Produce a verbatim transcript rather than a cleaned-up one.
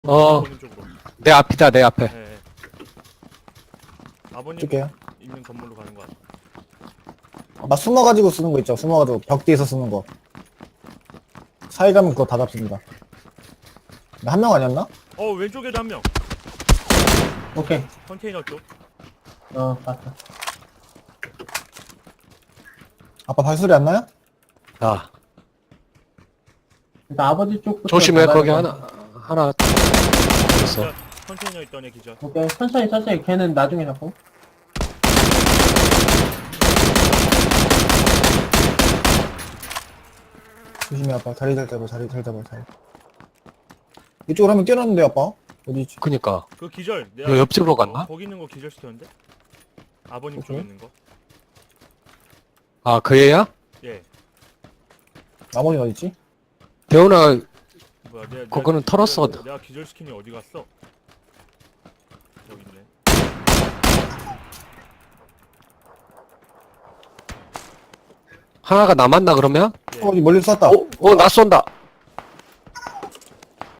어, 보는 쪽으로. 내 앞이다, 내 앞에. 예. 예. 아버님 쓸게요. 있는 건물로 가는 거 같아. 나 숨어가지고 쓰는 거 있죠. 숨어가지고 벽 뒤에서 쓰는 거. 사이 가면 그거 다 잡습니다. 한 명 아니었나? 어 왼쪽에도 한 명. 오케이. 컨테이너 쪽. 어, 봤어. 아빠 발소리 안 나요? 자, 일단 아버지 쪽부터. 조심해, 잡아야 거기 돼. 하나, 하나 있어. 자, 컨테이너 있던 애 기절. 오케이. 천천히, 천천히. 걔는 나중에 잡고. 조심해 아빠. 자리 잘 잡아. 자리 잘 잡아. 자리. 이쪽으로 하면 뛰어났는데 아빠. 어디 있지? 그니까. 그 기절. 여 옆집으로 갔나? 거기 있는 거 기절 시켰는데? 아버님 오케이. 쪽에 있는 거. 아, 그 애야? 예. 나머지 어디 있지? 대훈아, 뭐야 내가 그거는 내가, 털었어. 내가, 내가 기절 시킨이 어디 갔어? 여기 있네. 하나가 남았나, 그러면? 예. 어, 어디 멀리서 쐈다. 어, 어, 나 쏜다.